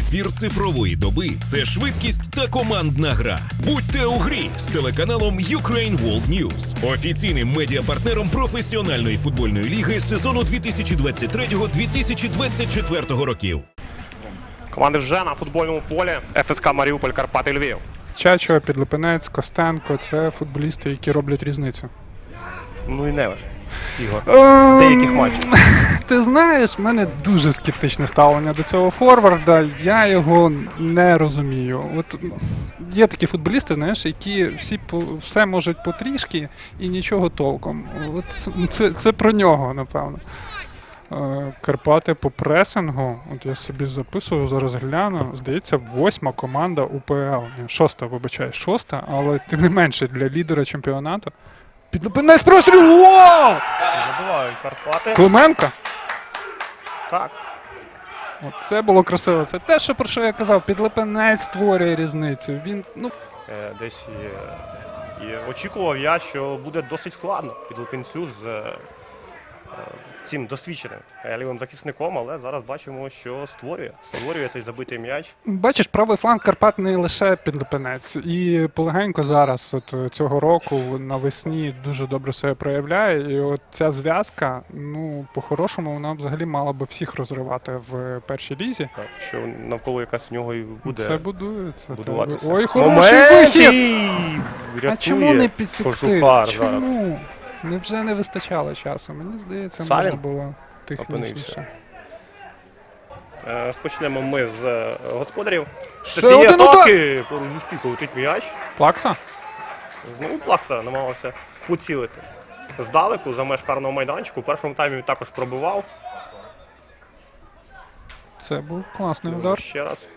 Ефір цифрової доби – це швидкість та командна гра. Будьте у грі з телеканалом Ukraine World News, офіційним медіапартнером професіональної футбольної ліги сезону 2023-2024 років. Команди вже на футбольному полі. ФСК Маріуполь, Карпати, Львів. Чачо, Підлипинець, Костенко – це футболісти, які роблять різницю. Ну і Невиш, Ігор. Деяких матчів. Ти знаєш, в мене дуже скептичне ставлення до цього форварда. Я його не розумію. От є такі футболісти, знаєш, які все можуть потрішки і нічого толком. От це про нього, напевно. Карпати по пресингу, от я собі записував, зараз гляну, здається, 8-ма команда УПЛ. Ні, 6-та, вибачаю, 6-та, але тим не менше для лідера чемпіонату. Підлипинець простріл! Вау! Забивають Карпати. Клименко? Так. Це було красиво. Це те, про що я казав. Підлипинець створює різницю. Він, Десь і очікував я, що буде досить складно Підлипинцю з цим досвідченим лівим захисником, але зараз бачимо, що створює цей забитий м'яч. бачиш, правий фланг Карпат не лише Підлипинець. І полегенько зараз, от цього року, навесні дуже добре себе проявляє. І от ця зв'язка, по-хорошому, вона взагалі мала би всіх розривати в першій лізі. Так, що навколо якась в нього і буде Це будується. будуватися. Ой, хороший вихід! А чому не підсекти? Кожухар Чому? Невже не вистачало часу? Мені здається, Савін можна було технічніше. Розпочнемо ми з господарів. Ще Цієї один атаки по Лусіку летить м'яч. Плакса? Знову Плакса намагався поцілити здалеку за меж карного майданчику. У першому таймі він також пробивав. Це був класний удар. Ще раз.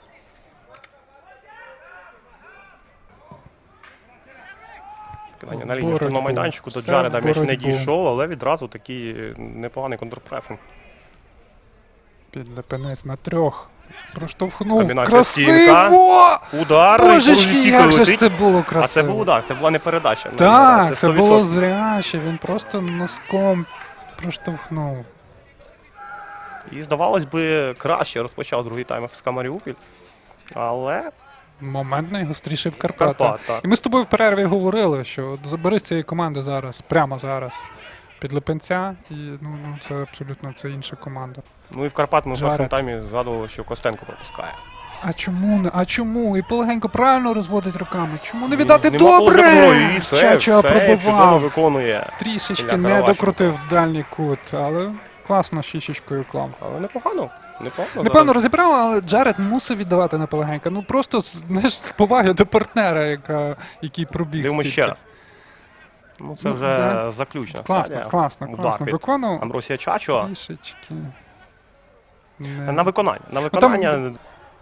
На лінії штурмового майданчику до Джареда м'яч не дійшов, але відразу такий непоганий контрпресинг. Підлипинець на 3. Проштовхнув. Комбінація Красиво! Удар. Божечки, як же ж це було красиво. А це був удар, це була не передача. Так, це було зряче. Він просто носком проштовхнув. І, здавалось би, краще розпочав другий тайм ФСК Маріуполь. Але Момент найгостріший в Карпатах. так. І ми з тобою в перерві говорили, що забери з цієї команди зараз, прямо зараз, Підлипинця, і це абсолютно інша команда. Ну і в Карпат ми в Джаред. першому таймі згадували, що Костенко пропускає. А чому не? А чому? І полегенько правильно розводить руками. Чому не віддати? Нема Добре! І Чачо чудово пробивав. виконує. Трішечки Ілля не Каравашенко. докрутив дальній кут, але класно щічечкою клав. Але непогано. Непевно розібрав, але Джаред мусив віддавати на полегенька. Просто, знаєш, з поваги до партнера, який пробіг. Дивимось стільки. ще раз. Це вже да. заключна Класно, класно Удар від виконував. Амбросія Чачо. Трішечки. На виконання.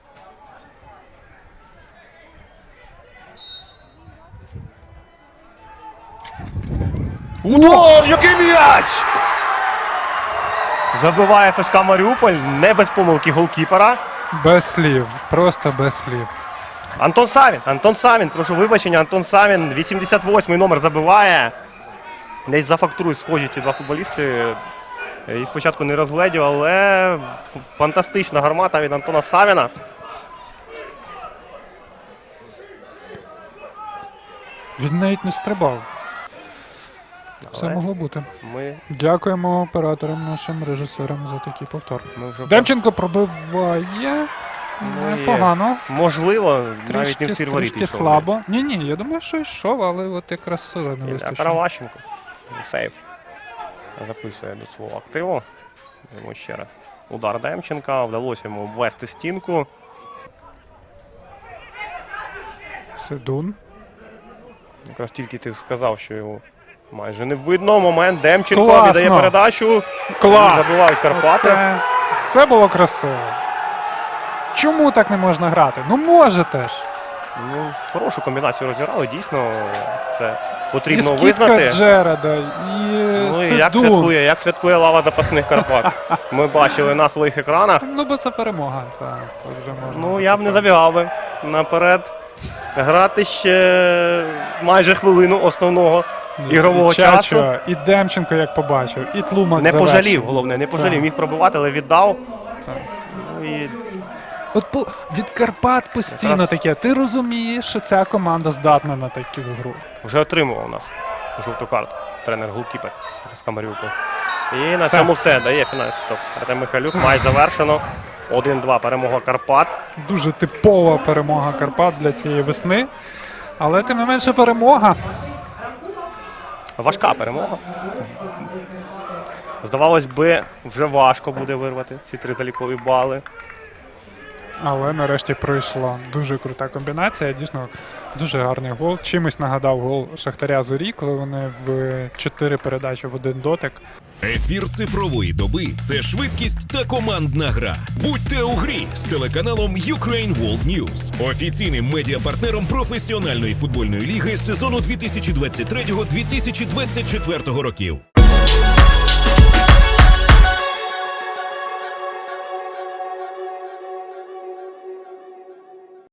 Удар! Який м'яч! Забиває ФСК Маріуполь, не без помилки голкіпера. Без слів, просто без слів. Антон Савін, прошу вибачення, Антон Савін, 88-й номер забиває. Десь за фактурою схожі ці два футболісти. І спочатку не розгледів, але фантастична гармата від Антона Савіна. Він навіть не стрибав. Все могло бути. Ми Дякуємо операторам, нашим режисерам за такий повтор. вже Демченко пробиває. Непогано. можливо, навіть не в стір воріт Трішки йшов. слабо. Ні, я думаю, що йшов, але от якраз сили не Ілля вистачило. Каравашенко. Сейв. Записує до свого активу. Дивимо ще раз. Удар Демченка. Вдалося йому обвести стінку. Седун. Якраз тільки ти сказав, що його майже не видно. Момент. Демченко Класно. віддає передачу. Клас! Забивають Карпати. Це було красиво. Чому так не можна грати? Можете ж. Хорошу комбінацію розіграли. Дійсно, це потрібно І скидка визнати. Джареда, і Ну і Седун. як святкує лава запасних Карпат. Ми бачили на своїх екранах. Бо це перемога. Так, вже можна. Я б не забігав би наперед. Грати ще майже хвилину основного ігрового часу. І Демченко, як побачив, і Тлумак Не завершив. пожалів, головне, не пожалів. Так. Міг пробивати, але віддав. Так. І Від Карпат постійно Якраз- таке. Ти розумієш, що ця команда здатна на таку гру. Вже отримував у нас жовту карту. Тренер-голкіпер ФСК Маріуполь. І на Все. цьому все. Дає фінальний стоп. Артем Михайлюк. Матч завершено. 1-2. Перемога Карпат. Дуже типова перемога Карпат для цієї весни. Але тим не менше перемога. Важка перемога. Здавалось би, вже важко буде вирвати ці 3 залікові бали. Але нарешті пройшла дуже крута комбінація. Дійсно, дуже гарний гол. Чимось нагадав гол Шахтаря Зорі, коли вони в 4 передачі в 1 дотик. Ефір цифрової доби це швидкість та командна гра. Будьте у грі з телеканалом Ukraine World News, офіційним медіапартнером професіональної футбольної ліги сезону 2023-2024 років.